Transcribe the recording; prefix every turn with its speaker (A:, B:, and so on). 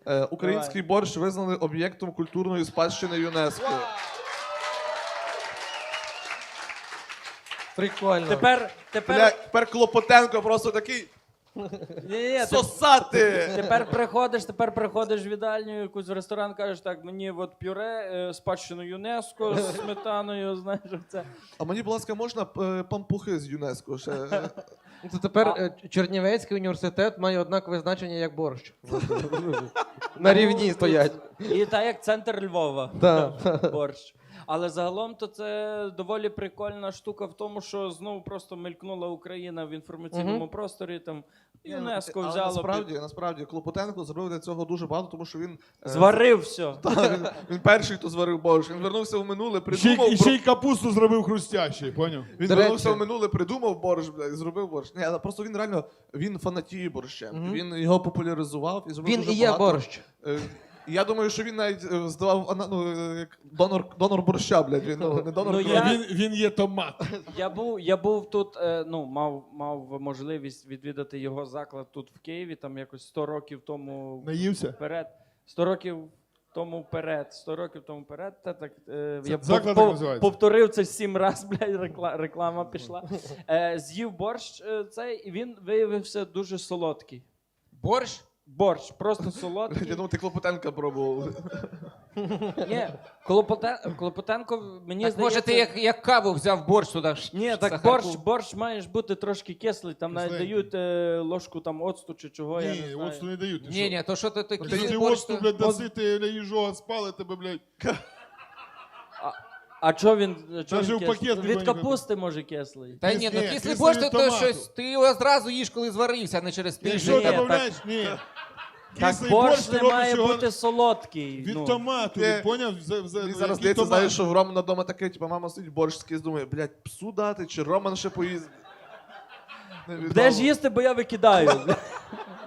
A: Український борщ визнали об'єктом культурної спадщини ЮНЕСКО.
B: Прикольно.
A: Тепер Клопотенко просто такий сосати!
C: Тепер приходиш в їдальню, якусь в ресторан, кажеш, так, мені от пюре, спадщину ЮНЕСКО з сметаною, знаєш, це.
A: А мені, будь ласка, можна пампухи з ЮНЕСКО ще?
B: То тепер Чернівецький університет має однакове значення, як борщ. На рівні стоять.
C: І так, як центр Львова.
B: Так.
C: Борщ. Але загалом то це доволі прикольна штука в тому, що знову просто мелькнула Україна в інформаційному просторі, там ЮНЕСКо
A: Але
C: взяло.
A: насправді Клопотенко зробив для цього дуже багато, тому що він...
C: Зварив все.
A: Він перший, хто зварив борщ. Він вернувся в минуле, придумав...
D: І ще й капусту зробив хрустящий, поняв?
A: Він вернувся в минуле, придумав борщ, блядь, і зробив борщ. Ні, але просто він реально, він фанатіє борщем. Він його популяризував і зробив
B: Він
A: дуже
B: і є
A: багато.
B: борщ.
A: Я думаю, що він навіть здавав як донор борща, блядь. Він не донор.
D: Він є томат.
C: Я був тут, мав можливість відвідати його заклад тут в Києві, там якось 100 років тому
D: Наївся?
C: вперед. 100 років тому вперед. Я
D: заклад так називається?
C: повторив це 7 разів, блядь, реклама пішла. З'їв борщ цей, і він виявився дуже солодкий. Борщ, просто солодкий.
A: Я думав, ти Клопотенка пробував.
C: Ні, Клопотенко, мені
E: Так,
C: здається...
E: може ти як каву взяв борщ туди?
C: Ні, так борщ маєш бути трошки кислий, там навіть дають ложку там оцту чи чого, я не
D: Ні,
C: знаю.
D: оцту не дають.
E: Ні, то що ти
D: Ти
E: такий борщ?
D: оцту, блядь, даси, ти їжога спали тебе, блядь.
C: А чого він
D: Даже в
C: кислий?
D: пакет
C: Від
D: ніби
C: капусти може кислий.
E: Та ні,
D: Ні,
E: кислий
D: кислий
E: борщ
D: від
E: то
D: томату.
E: щось, ти його зразу їш, коли зварився, а не через
D: Якщо
E: тиждень.
D: додаєш, ні.
C: Так
D: Кислий
C: борщ
D: ти
C: не
D: робиш
C: має
D: його
C: бути солодкий.
D: від томату, поняв?
A: Мені зараз
D: Який
A: здається,
D: томат?
A: знаєш, що в Романа вдома таке, типу, мама сидить борщ скіз, думає, блядь, псу дати, чи Роман ще поїсть.
C: Де ж їсти, бо я викидаю.